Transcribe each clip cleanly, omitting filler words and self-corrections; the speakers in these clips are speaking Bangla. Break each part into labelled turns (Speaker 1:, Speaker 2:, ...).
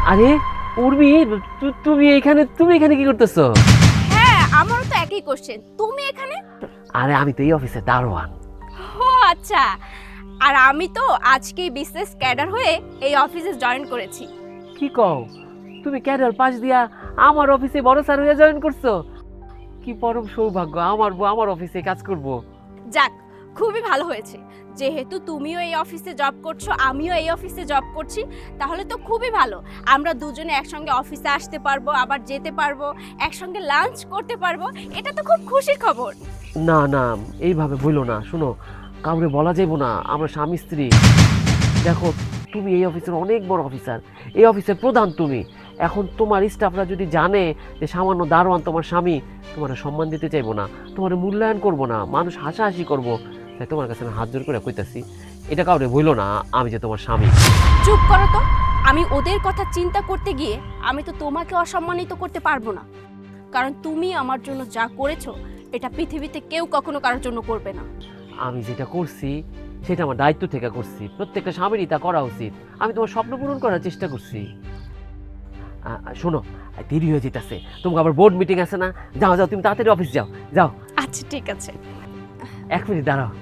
Speaker 1: আরে উর্মি, তুমি এখানে কি করতেছো?
Speaker 2: হ্যাঁ, আমারও তো একই কোশ্চেন। তুমি এখানে?
Speaker 1: আরে আমি তো এই অফিসে দারোয়ান।
Speaker 2: ও আচ্ছা। আর আমি তো আজকেই বিসনেস ক্যাডার হয়ে এই অফিসে জয়েন করেছি।
Speaker 1: কি কও, তুমি ক্যাডার পাশ দিয়া আমার অফিসে বড় স্যার হয়ে জয়েন করছো? কি পরম সৌভাগ্য, আমার বউ আমার অফিসে কাজ করব।
Speaker 2: যাক, খুবই ভালো হয়েছে। যেহেতু তুমিও এই অফিসে জব করছো, আমিও এই অফিসে জব করছি, তাহলে তো খুবই ভালো। আমরা দুজনে একসঙ্গে অফিসে আসতে পারবো, আবার যেতে পারবো, একসঙ্গে লাঞ্চ করতে পারবো। এটা তো খুব খুশির খবর।
Speaker 1: না না, এইভাবে বলো না। শোনো, কাউকে বলা যাইব না আমরা স্বামী স্ত্রী। দেখো, তুমি এই অফিসের অনেক বড় অফিসার, এই অফিসের প্রধান তুমি। এখন তোমার স্টাফরা যদি জানে যে সামান্য দারোয়ান তোমার স্বামী, তোমার সম্মান দিতে চাইবো না, তোমার মূল্যায়ন করবো না, মানুষ হাসাহাসি করবো। তাই তোমার কাছে আমি হাত জোর করে কইতাছি, এটা কাউরে বইলো না আমি যে তোমার স্বামী।
Speaker 2: চুপ করো তো। আমি ওদের কথা চিন্তা করতে গিয়ে আমি তো তোমাকে অসম্মানিত করতে পারবো না, কারণ তুমি আমার জন্য যা করেছো এটা পৃথিবীতে কেউ কখনো কারোর জন্য করবে না।
Speaker 1: আমি যেটা করছি সেটা আমার দায়িত্ব থেকে করছি, প্রত্যেকটা স্বামীরই তা করা উচিত। আমি তোমার স্বপ্ন পূরণ করার চেষ্টা করছি। শোনো, দেরি হয়ে যেতেছে, তোমাকে আবার বোর্ড মিটিং আছে না? যাও যাও, তুমি তাড়াতাড়ি অফিস যাও যাও।
Speaker 2: আচ্ছা ঠিক আছে।
Speaker 1: 1 মিনিট দাঁড়াও।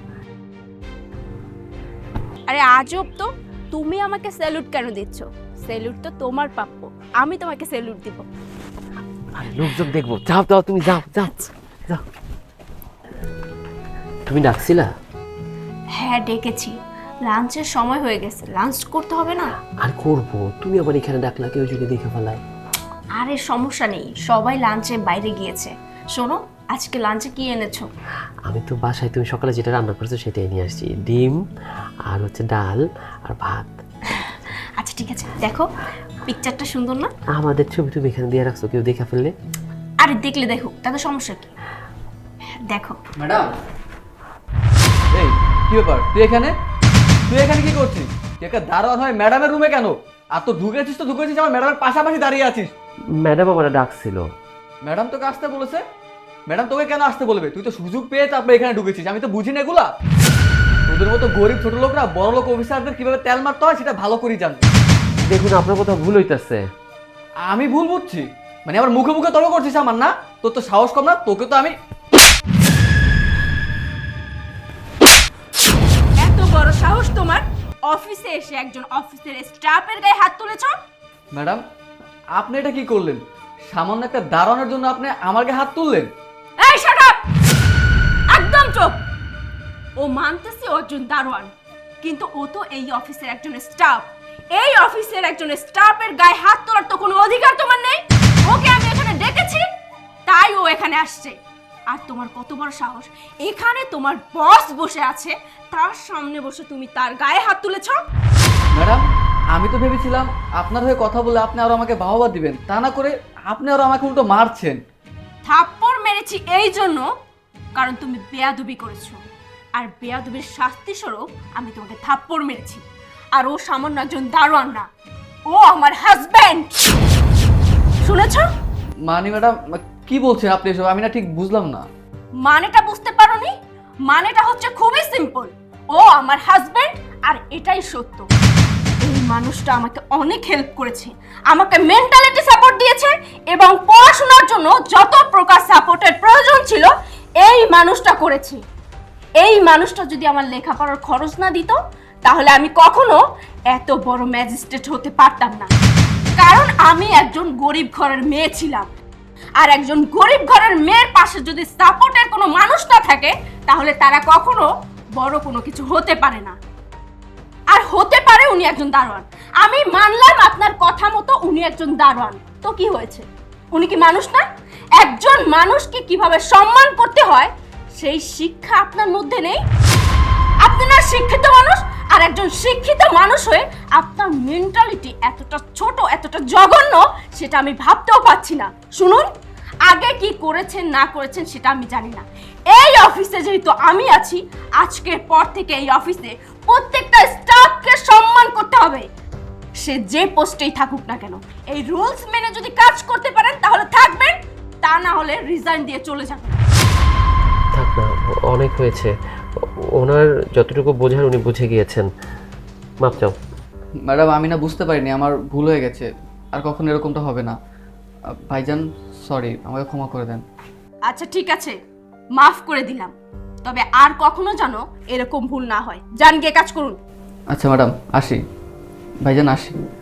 Speaker 2: আরে আজব তো, তুমি আমাকে স্যালুট কেন দিচ্ছ? স্যালুট তো তোমার প্রাপ্য, আমি তোমাকে স্যালুট দিব।
Speaker 1: আরে লোকজন দেখবো, যাও যাও, তুমি যাও যাও যাও। তুমি ডাকছিলা?
Speaker 2: হ্যাঁ ডেকেছি, লাঞ্চের সময় হয়ে গেছে, লাঞ্চ করতে হবে না?
Speaker 1: আর করবো, তুমি আবার এখানে ডাকলা, কেউ যদি দেখে ফেলায়।
Speaker 2: আরে সমস্যা নেই, সবাই লাঞ্চে বাইরে গিয়েছে। শোনো, আজকে লাঞ্চে কি এনেছো?
Speaker 1: আমি তো বাসায় তুমি সকালে যেটা রান্না করেছো সেটাই নিয়ে আসছি, ডিম আর হচ্ছে ডাল আর ভাত।
Speaker 2: আচ্ছা ঠিক আছে, দেখো পিকচারটা সুন্দর না?
Speaker 1: আমাদের ছবি তুমি এখানে দিয়ে রাখছো, কেউ দেখে ফেললে?
Speaker 2: আরে দেখলে দেখো, তাতে সমস্যা কি? দেখো।
Speaker 3: ম্যাডাম, এই কি ব্যাপার, তুই এখানে কি করছিস? তুই একটা দারোয়ান হয় ম্যাডামের রুমে কেন? আর তো ঢুকেছিস আমার ম্যাডামের পাশাপাশি দাঁড়িয়ে আছিস।
Speaker 1: ম্যাডাম আমার ডাকছিল।
Speaker 3: ম্যাডাম তোকে আসতে বলেছে? ম্যাডাম তোকে কেন আসতে বলবে? তুই তো সুযোগ পেয়ে তারপরে এখানে ঢুকেছিস, আমি তো বুঝি না এগুলা। তোদের মতো গরিব ছোট লোকরা বড় লোক অফিসারদের কিভাবে তেল মারতে হয় সেটা ভালো করেই জানে।
Speaker 1: দেখুন, আপনার কথা ভুল হইতেছে।
Speaker 3: আমি ভুল বুঝছি? মানে আমার মুখে মুখে তর্ক করছিস আমার না? তোর তো সাহস কম না? তোকে তো আমি
Speaker 2: এত বড় সাহস তোমার, অফিসে এসে একজন অফিসের স্টাফের গায়ে হাত তুলেছো?
Speaker 3: ম্যাডাম, আপনি এটা কি করলেন? সামান্য একটা দারোয়ানের জন্য আপনি আমার গায়ে হাত তুললেন?
Speaker 2: এই শাট আপ! একদম চুপ। ও মানতেছে ও একজন দারোয়ান, কিন্তু ও তো এই অফিসের একজন স্টাফ। এই অফিসের একজন স্টাফের গায়ে হাত তোলার তো কোনো অধিকার তোমার নেই। ওকে আমি এখানে ডেকেছি, তাই ও এখানে আসছে। আর তোমার কত বড় সাহস, এখানে তোমার বস বসে আছে, তার সামনে বসে তুমি তার গায়ে হাত তুলেছো?
Speaker 3: ম্যাডাম, আমি তো ভেবেছিলাম আপনার হয়ে কথা বলে আপনি আরো আমাকে বাহবা দিবেন, তা না করে আপনি আরো আমাকে উল্টো মারছেন।
Speaker 2: থাপ্পড় মেরেছি এই জন্য কারণ তুমি বেয়াদবি করেছো, আর বেয়াদবির শাস্তি স্বরূপ আমি তোমাকে থাপ্পড় মেরেছি। আর ও সামান্য একজন দারোয়ান না, ও আমার হাজবেন্ড। শুনেছো?
Speaker 3: মানে ম্যাডাম, কি বলছেন আপনি এসব? আমি না ঠিক বুঝলাম না।
Speaker 2: মানেটা বুঝতে পারোনি? মানেটা হচ্ছে খুবই সিম্পল, ও আমার হাজবেন্ড, আর এটাই সত্য। এই মানুষটা আমাকে অনেক হেল্প করেছে, আমাকে মেন্টালিটি সাপোর্ট দিয়েছে, এবং পড়াশোনার জন্য যত প্রকার সাপোর্টের প্রয়োজন ছিল এই মানুষটা করেছে। এই মানুষটা যদি আমার লেখাপড়ার খরচ না দিত, তাহলে আমি কখনো এত বড় ম্যাজিস্ট্রেট হতে পারতাম না। কারণ আমি একজন গরিব ঘরের মেয়ে ছিলাম, আর একজন গরিব ঘরের মেয়ের পাশে যদি সাপোর্টের কোনো মানুষ না থাকে, তাহলে তারা কখনো বড় কোনো কিছু হতে পারে না। আর হতে পারে উনি একজন দারোয়ান, আমি মানলাম আপনার কথা মতো উনি একজন দারোয়ান, তো কি হয়েছে? উনি কি মানুষ না? একজন মানুষকে কিভাবে সম্মান করতে হয় সেই শিক্ষা আপনার মধ্যে নেই। আপনি না শিক্ষিত মানুষ, আর একজন শিক্ষিত মানুষ হয়ে আপনার মেন্টালিটি এতটা ছোট, এতটা জঘন্য, সেটা আমি ভাবতেও পারছি না। শুনুন, আগে কি করেছেন না করেছেন সেটা আমি জানি না। এই অফিসে যেহেতু আমি আছি, আজকের পর থেকে এই অফিসে প্রত্যেকটা স্টাফকে সম্মান করতে হবে, সে যে পোস্টেই থাকুক না কেন। এই রুলস মেনে যদি কাজ করতে পারেন তাহলে থাকবেন, তা না হলে রিজাইন দিয়ে চলে যাবেন।
Speaker 1: থাক না, অনেক হয়েছে। ওনার যতটুকু বোঝার উনি বুঝে গিয়েছেন, মাপ চাও।
Speaker 3: ম্যাডাম, আমি না বুঝতে পারিনি, আমার ভুল হয়ে গেছে। আর কখনো এরকমটা হবে না। ভাইজান সরি, আমাকে ক্ষমা করে দেন।
Speaker 2: আচ্ছা ঠিক আছে, মাফ করে দিলাম, তবে আর কখনো যেন এরকম ভুল না হয়। যান গিয়ে কাজ করুন।
Speaker 3: আচ্ছা ম্যাডাম, আসি। ভাইজান আসি।